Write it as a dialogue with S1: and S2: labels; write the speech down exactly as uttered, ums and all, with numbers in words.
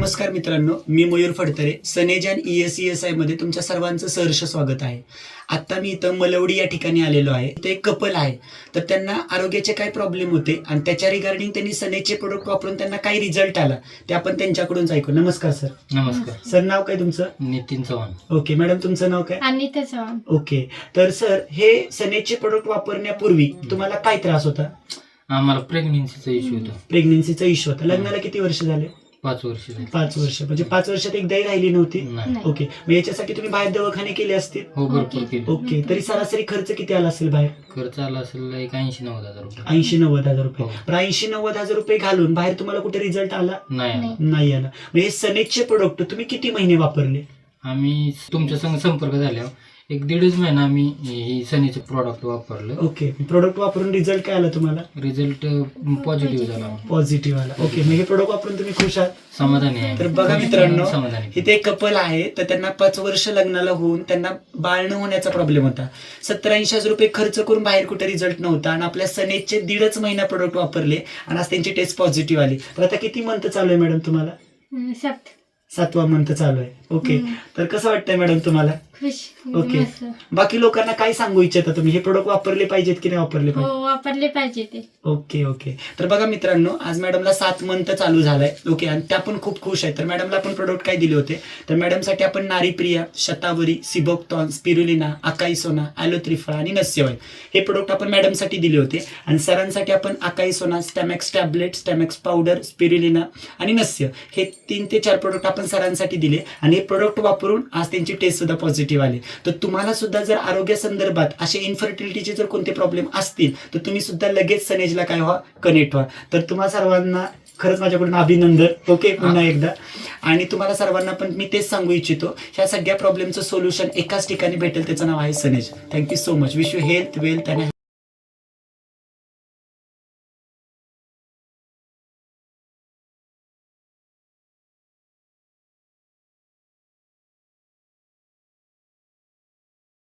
S1: नमस्कार मित्रांनो, मी मयूर फडतरे. सनेजन E S E S I मध्ये तुमच्या सर्वांचं सहर्ष स्वागत आहे. आता मी इथं मलवडी या ठिकाणी आलेलो आहे. ते एक कपल आहे, तर त्यांना आरोग्याचे काय प्रॉब्लेम होते आणि त्याच्या रिगार्डिंग त्यांनी सनेजचे प्रोडक्ट वापरून त्यांना काय रिझल्ट आला ते आपण त्यांच्याकडून ऐकू. नमस्कार सर.
S2: नमस्कार
S1: सर, नाव काय तुमचं?
S2: नितीन चव्हाण.
S1: ओके मॅडम, तुमचं नाव काय?
S3: अनिता चव्हाण.
S1: ओके, तर सर हे सनेजचे प्रोडक्ट वापरण्यापूर्वी तुम्हाला काय त्रास होता?
S2: आम्हाला प्रेग्नेन्सीचा इश्यू होता.
S1: प्रेग्नेन्सीचा इश्यू होता. लग्नाला किती वर्ष झाले?
S2: पाच वर्ष झाली.
S1: पाच वर्ष म्हणजे पाच वर्षात एकदाही राहिली नव्हती?
S2: नाही.
S3: नाही.
S1: ओके, मग याच्यासाठी तुम्ही बाहेर दवाखाने केले असतील?
S2: हो, भरपूर केली.
S1: ओके, तरी सरासरी खर्च किती आला असेल बाहेर?
S2: खर्च आला असेल एक ऐंशी नव्वद हजार रुपये.
S1: ऐंशी नव्वद हजार रुपये.
S2: हो.
S1: पण ऐंशी नव्वद हजार रुपये घालून बाहेर तुम्हाला कुठे रिझल्ट आला?
S2: नाही आला.
S3: नाही.
S1: नाही आला. मग हे सनेजचे प्रोडक्ट तुम्ही किती महिने वापरले?
S2: आम्ही तुमच्या संग संपर्क झाल्यावर एक दीडच महिना आम्ही ही सनीचं प्रॉडक्ट वापरलं.
S1: ओके, प्रोडक्ट वापरून रिझल्ट काय आला तुम्हाला?
S2: रिझल्ट पॉझिटिव्ह झाला.
S1: पॉझिटिव्ह आला. ओके, मग हे प्रोडक्ट वापरून तुम्ही खुश आहात?
S2: समाधानी आहे.
S1: तर बघा मित्रांनो,
S2: समाधानी.
S1: इथे एक कपल आहे, तर त्यांना पाच वर्ष लग्नाला होऊन त्यांना बाळ न होण्याचा प्रॉब्लेम होता. सत्तर ऐंशी हजार रुपये खर्च करून बाहेर कुठे रिझल्ट नव्हता आणि आपल्या सनेजचे दीडच महिना प्रोडक्ट वापरले आणि आज त्यांची टेस्ट पॉझिटिव्ह आली. तर आता किती मंथ चालू आहे मॅडम तुम्हाला?
S3: अं, सात.
S1: सातवा मंथ चालू आहे. ओके,
S3: हम्म.
S1: तर कसं वाटतंय मॅडम तुम्हाला?
S3: खुश.
S1: ओके.
S3: मस्त.
S1: बाकी लोकांना काय सांगू इच्छिता तुम्ही? हे प्रोडक्ट वापरले पाहिजेत की नाही वापरले
S3: हो,
S1: पाहिजे?
S3: वापरले पाहिजे ते.
S1: ओके ओके, तर बघा मित्रांनो, आज मॅडमला सात मंथ चालू झालाय. ओके, आणि त्या पण खूप खुश आहेत. तर मॅडमला आपण प्रोडक्ट काय दिले होते? तर मॅडमसाठी आपण नारीप्रिया, शतावरी, सिबोक्टॉन, स्पिरुलिना, अकाई सोना, ॲलोत्रिफळा आणि नस्यवाय हे प्रोडक्ट आपण मॅडमसाठी दिले होते. आणि सरांसाठी आपण अकाई सोना, Stamax tablet, Stamax powder, spirulina आणि नस्य हे तीन ते चार प्रोडक्ट आपण सरांसाठी दिले आणि हे प्रोडक्ट वापरून आज त्यांची टेस्ट सुद्धा पॉझिटिव्ह आली. तर तुम्हाला सुद्धा जर आरोग्य संदर्भात असे इन्फर्टिलिटीचे जर कोणते प्रॉब्लेम असतील तर तुम्ही सुद्धा लगेच सनेजला काय व्हा, कनेक्ट व्हा. तर तुम्हा सर्वांना खरंच माझ्याकडून अभिनंदन. ओके, पुन्हा एकदा. आणि तुम्हाला सर्वांना पण मी तेच सांगू इच्छितो, ह्या सगळ्या प्रॉब्लेमचं सोल्युशन एकाच ठिकाणी भेटेल, त्याचं नाव आहे सनेज. Thank you so much. Wish you health, wealth आणि